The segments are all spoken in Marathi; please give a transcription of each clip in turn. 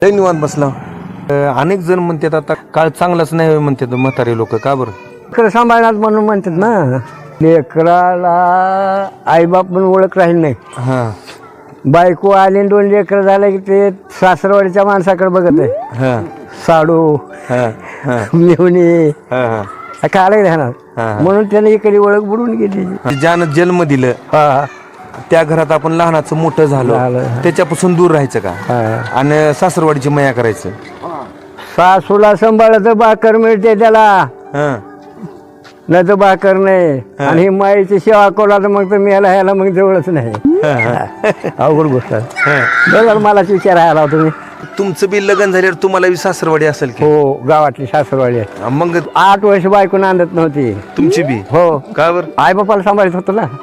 लय निवांत बसला. अनेक जण म्हणतात आता काळ चांगलाच नाही म्हणतात म्हातारे लोक. का बरं? लेकरं सांभाळणार म्हणून म्हणतात ना. लेकराला आईबाप पण ओळख राहील नाही. हा बायको आली आणि 2 लेकरं झालं की ते सासरवाडीच्या माणसाकडे बघत आहे. हा साडू हा हा मेवणी हा काढायला राहणार म्हणून त्याने इकडे ओळख बुडून गेली. ज्यानं जन्म दिलं हा त्या घरात आपण लहानाचं मोठं झालो त्याच्यापासून दूर राहायचं का आणि सासरवाडीची मया करायचं. सासूला सांभाळलं भाकर मिळते त्याला, हा नाही तर भाकर नाही. आणि माईची सेवा कोला तर मग तर मेला ह्याला मग जवळच नाही. अवघड गोष्ट आहे. बघा मलाच विचार आला तुम्ही. तुमचं बी लग्न झाल्यावर तुम्हाला बी सासरवाडी असेल की? हो गावातली सासरवाडी आहे. मग 8 वर्ष बायको नांदत नव्हती तुमची बी? हो. का बरं? आई बापाला सांभाळत होतो ना.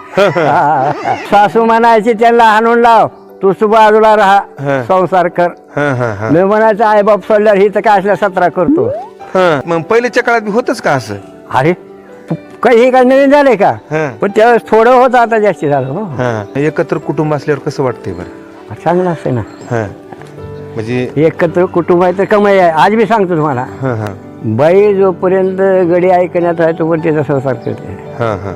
सासू म्हणायची त्यांना हाणून लाव, तूच बाजूला राहा, संसार कर. मी म्हणायचं आई बाप सोडल्यावर ही तर काय असल्या 17 करतो. मग पहिल्याच्या काळात बी होतच का असं? अरे काही काय नवीन झालंय का? पण त्यावेळेस थोडं होतं, आता जास्त झालं. हो एकत्र कुटुंब असल्यावर कसं वाटतंय बरं? चांगलं असते ना. म्हणजे एकत्र कुटुंब आहे तर कमाई आहे. आज मी सांगतो तुम्हाला, बाई जोपर्यंत गडी ऐकण्यात आहे तोपर्यंत त्याचा संसार करते.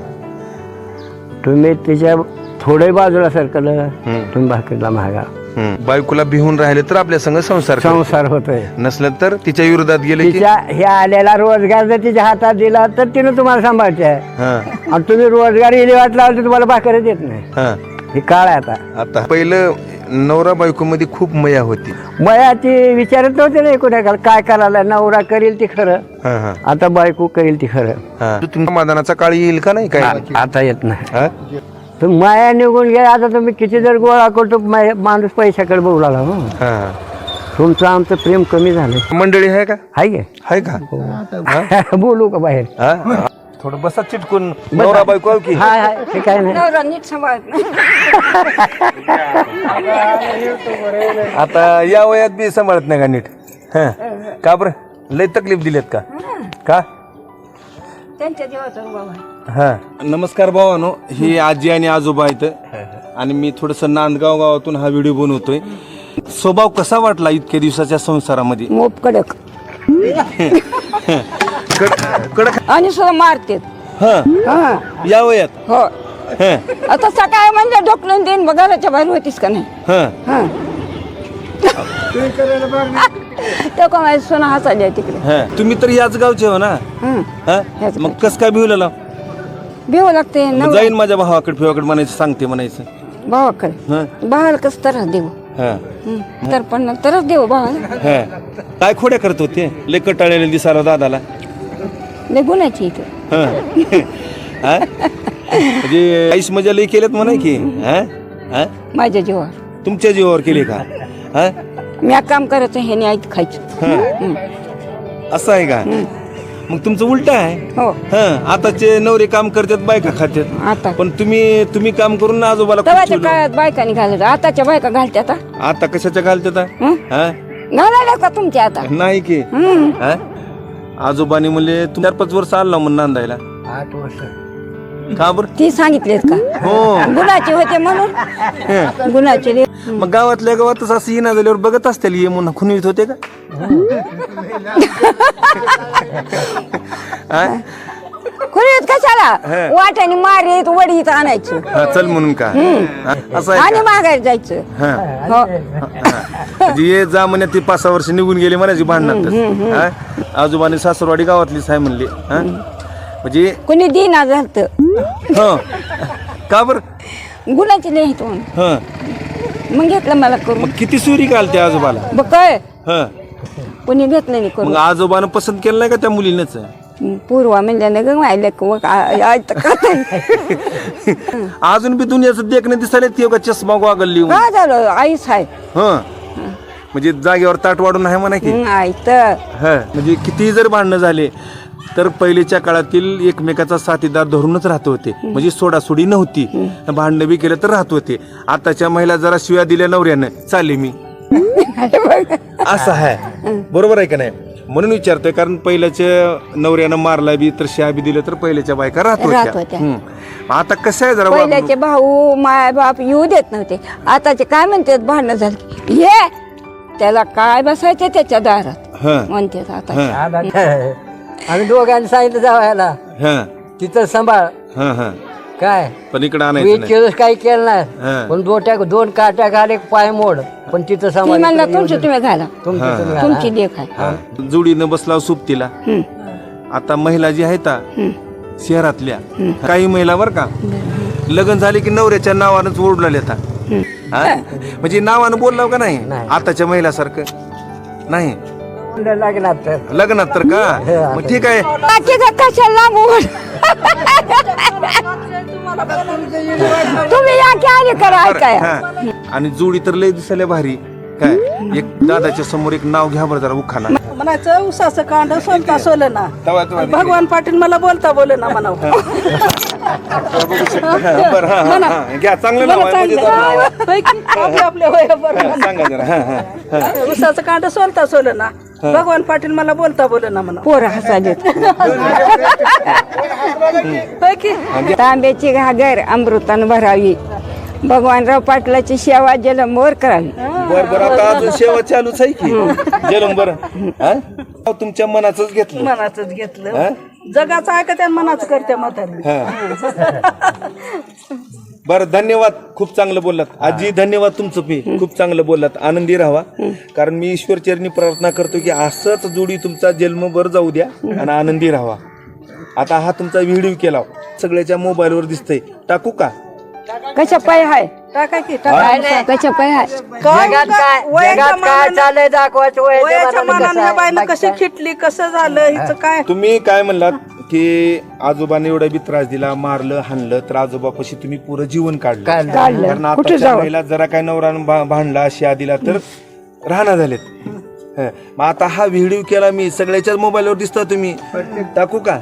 तुम्ही तिच्या थोडे बाजूला सरकलं तुम्ही भाकरीला महागा. बायकोला भिवून राहिले तर आपल्या संग संसार होतोय. नसलं तर तिच्या विरोधात गेले की तिच्या हे आलेला रोजगार जर तिच्या हातात दिला तर तिने तुम्हाला सांभाळते आहे. आणि तुम्ही रोजगार इली वाट लावला तर तुम्हाला भाकर देत नाही. हे काळ आहे आता. आता पहिलं नवरा बायको मध्ये खूप मया होती. मयाची विचारत नव्हते ना कोणाला काय करायला. नवरा करील ती खरं, आता बायको करील ती खरं. तुमच्या मादानाचा काळ येईल का नाही? काय आता येत नाही. तर माया निघून गेला. आता तुम्ही किती जर गोळा करतो माणूस पैशाकडे बघू लागला. तुमचं आमचं प्रेम कमी झालं. मंडळी आहे का? आहे का? बोलू का बाहेर? थोडं बसा चिटकून. नवरा बायको की ते काय नाही. नीट सांभाळत नाही. आता या वयात बी सांभाळत नाही का नीट? का बरं? लय तकलीफ दिलेत का? का? त्यांच्या देवाचा बाबा. नमस्कार भावानो, ही आजी आणि आजोबा आहेत आणि मी थोडस नांदगाव गावातून हा व्हिडिओ बनवतोय. स्वभाव कसा वाटला इतक्या दिवसाच्या संसारामध्ये? मोप कडक कडक आणि सुद्धा मारते. या वयात? हो. आता सकाळी म्हणजे ढोकलून देईन बघ, घराच्या बाहेर होतीस का नाही. तो का माझी सोना हसायला तिकडे. तुम्ही तर याच गावचे हो ना? मग कस काय भिवलेला? भिव लागते जाईन माझ्या भावाकडे फिवाकडे म्हणायचं, सांगते म्हणायचं भावाकडे. भावाला कसं तरच देऊ तर पण तरच देऊ भावाला. काय खोड्या करत होते? लय कटाळलेले दिसायला दादाला. लय गुन्ह्याची इथं. म्हणजे आईस मजा लय केल्यात म्हणा की? माझ्या जीवावर. तुमच्या जीवावर केले का? मी काम करायचं हे नाही ऐक खायचं. असं आहे का? मग तुमचं उलट आहे. हो. आताचे नवरे काम करतात, बायका खात्यात. आता पण तुम्ही काम करून ना आजोबाला खूप तेव्हाच्या चिडवलं. काळात बायकांनी घालत, आताच्या बायका घालत्यात. आता कशाच्या घालतात? घालायला का तुमच्या आता? नाही की आजोबानी म्हणले 4-5 वर्ष आला म्हणून नांदायला. 8 वर्ष. का बरं? ती सांगितलेत का? हो. गुणाचे होते म्हणून. गुणाचे. मग गावातल्या गावातच असं येणं झाल्यावर बघत असतील ये म्हणून खुनवीत होते का? खुलीत कशाला वाट्याने मारीत वडीत आणायचं चल म्हणून का? असं आहे आणि का? मागायला जायचं. हो. म्हणजे ये जा म्हणे ती 5-6 वर्ष निघून गेली म्हणायची भांडणात. आजोबाने सासरवाडी गावातलीच आहे म्हणली. म्हणजे कुणी दिना झालत. का बर? गुणाचे लिहित म्हणून मग घेतलं मला करून. मग किती सुरी घालते आजोबाला? बघ काय कुणी घेतलं नाही मग करून. आजोबानं पसंत केलं नाही का त्या मुलीनच? पूर्वा म्हणल्यानं ग मायले अजून बी दुनियाचं देखणं दिसायला ते का चष्मा गोगल काय झालं आईच आहे. म्हणजे जागेवर ताट वाढून आहे म्हणा की? ऐकत म्हणजे किती जर भांडणं झाले तर पहिलेच्या काळातील एकमेकाचा साथीदार धरूनच राहत होते. म्हणजे सोडासोडी नव्हती. भांडणं बी केलं तर राहत होते. आताच्या महिला जरा शिव्या दिल्या नवऱ्यानं चालले मी असं आहे. बरोबर आहे का नाही? म्हणून विचारतोय, कारण पहिल्याच्या नवऱ्यानं मारला बी तर शिया बी दिलं तर पहिल्याच्या बायका राहत होत्या. आता कसं आहे जरा पहिल्याचे भाऊ माय बाप येऊ देत नव्हते. आताचे काय म्हणतात भांडणं झाली ये त्याला काय बसायचं त्याच्या दारात हा म्हणते आता हा आम्ही दोघांनी सांगितलं जावायला हा तिथं सांभाळ हा हा काय पण इकडे तू आणायचं इतके नाही. दिवस काही केलं हा. नाही पण दोन काट्या घाल एक पाय मोड पण तिथं ती सांभाळ म्हणला तुमची तुम्ही घाला तुमचं तुम्ही घाला. तुमची देख आहे हा. जोडीनं बसला सुप्तीला आता महिला जी आहेत शहरातल्या काही महिला बर का लग्न झाले की नवऱ्याच्या नावानंच ओढला येतात म्हणजे नावानं बोललाव का नाही नाही. आताच्या महिलासारखं नाही लागणार तर लग्नात तर का मग ठीक आहे बाकीचं कशाला बोल तुम्ही या की आले करा बरं, ऐकाय हा. आणि जोडी तर लय दिसायला भारी काय एक दादाच्या समोर एक नाव घ्या बरं जरा उखाना म्हणायचं उसाचं कांड सोलता सोलं ना तवा तवा भगवान पाटील मला बोलता बोले ना म्हणावं बरं हा, हा, हा. घ्या चांगलं नाव आहे मजेदार नाव आहे. होय की? आपल्या आपल्या वयावर हा, सांगा जरा हा, हा, हा. उसाचं कांड सोलता सोलं ना भगवान पाटील मला बोलता बोले ना म्हणा पोर हसालेत होय की तांब्याची घागर अमृतानं भरावी भगवानराव पाटलाची सेवा जलमोर करावी बर बर आता अजून सेवा चालूच आहे की जलम बरं हा? तुमच्या मनाचंच घेतलं मनाच हा? घेतलं जगाचं ऐकत आणि मनाच करते म्हातारी हा. बरं धन्यवाद खूप चांगलं बोललात आजी धन्यवाद तुमचं पी खूप चांगलं बोललात आनंदी राहावा कारण मी ईश्वरचरणी प्रार्थना करतो की असंच जोडी तुमचा जन्मभर जाऊ द्या आणि आनंदी राहावा आता हा तुमचा व्हिडिओ केला सगळ्याच्या मोबाईलवर दिसतंय टाकू का कशा पाय हाय टाका की टाका कशा पाय हाय जगात काय जगात काय चाललंय दाखवायचं वयाच्या मानाने ह्या बाईनं कशी खिटली कसं झालं हिचं काय तुम्ही काय म्हणलात की आजोबाने एवढा बी त्रास दिला मारलं हाणलं तर आजोबापाशी तुम्ही पुरं जीवन काढलं कारण आता महिला जरा काय नवरा भांडला शिया दिला तर राहणार झालेत हं. मग आता हा व्हिडिओ केला मी सगळ्याच्याच मोबाईलवर दिसता तुम्ही टाकू का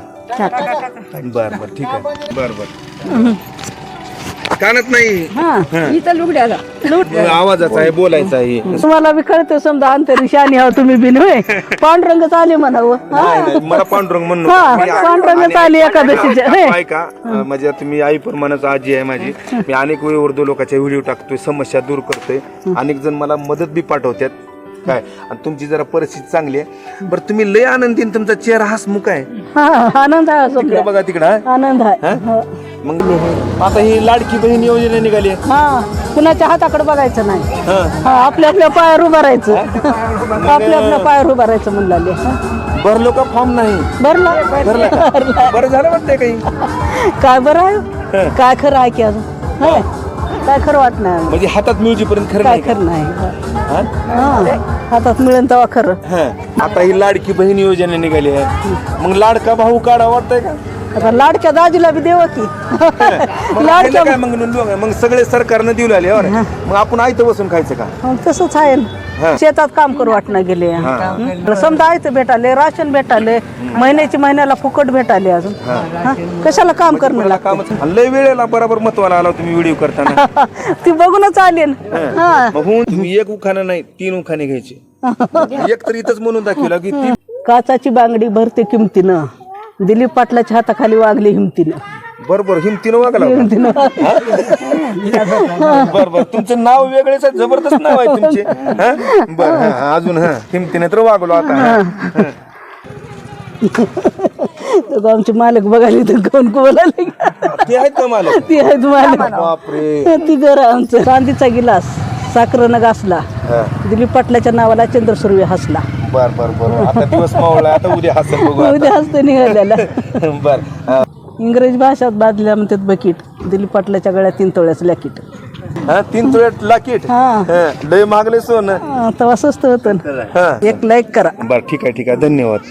बर बर ठीक आहे बर बर कानत नाही इथं लुगड्याला आवाजाचा आहे बोलायचा आहे तुम्हाला बी कळतं समजा अंतरी आणि हा तुम्ही बिन होय पांडुरंगच आले म्हणावं नाही, नाही, मला पांडुरंग म्हणून हा, मी आ- पांडुरंगच आणि- आली एकादशीच्या. आणि- हे. ऐका म्हणजे तुम्ही आई प्रमाणाचं आजी आहे माझी मी अनेक वेळी उर्दू लोकांच्या व्हिडिओ टाकतोय समस्या दूर करतोय अनेक जण मला मदत बी पाठवतात काय आणि तुमची जरा परिस्थिती चांगली आहे बरं तुम्ही लय आनंदी आणि तुमचा चेहरा हसमुख आहे हा आनंद आहे तिकडे समजा. बघा तिकडं हा? आनंद आहे हा? मग आता ही लाडकी बहीण योजना निघाली आहे. हा कुणाच्या हाताकडे बघायचं नाही हा. हा आपल्या आपल्या पायावर उभं राहायचं आपल्या आपल्या पायावर उभं राहायचं म्हणले भरलो का फॉर्म नाही भरला बरं झालं वाटतंय काही काय बरं आहे काय खरं आहे की अजून होय? काय खरं वाट नाही म्हणजे हातात मिळूपर्यंत खरं काय नाही का? खरं नाही हा? हा हातात मिळेल तेव्हा खरं हा. आता ही लाडकी बहीण योजना निघाली आहे मग लाडका भाऊ काढा वाटतंय का आता लाडक्या दाजीला बी देवा की मग लाडक्या खायला काय मग लोक मग सगळे सरकारनं देऊ लागले बरं. मग आपण आयतं बसून खायचं का मग तसंच आहे ना. हा. शेतात काम करू वाटणं गेले हं. समजा आयतं भेटाले राशन भेटाले महिन्याला फुकट भेटाले अजून हा. कशाला काम करणं मला लागतं कामच लय वेळेला बरोबर महत्वाला आला तुम्ही व्हिडिओ करताना ती बघूनच आली ना. हा मग होऊन तुम्ही एक उखाणं नाही 3 उखाणे घ्यायचे एक तर इथंच म्हणून दाखवला की ती काचाची बांगडी भरते किमतीनं दिलीप पाटलाच्या हाताखाली वागली हिमतीनं बरोबर हिमतीनं वागला बरोबर तुमचं नाव वेगळेच आहे जबरदस्त नाव आहे तुमचे हा? बरं हा, अजून हा हिमतीने तर वागलो आता हा. आमचे मालक बघायला तर कोण बोलायला ते आहेत का मला ती आहेत मालक बापरे ती घर आमचं चांदीचा गिलास साखरेनं घासला हा. दिलीप पाटलाच्या नावाला चंद्रसूर्य हसला बर बर बर आता दिवस मावळला आता उद्या हसल बघू आता. उद्या हसते निघालेला बर हा. इंग्रजी भाषात बादल्या म्हणतात बकीट दिलीप पाटलाच्या गळ्यात 3 तोळ्याचं लॅकीट हा 3 तुळ्यात लाकीट हा. हा, लय मागले सोनं तेव्हा स्वस्त होतं हा एक लाईक करा बर ठीक आहे धन्यवाद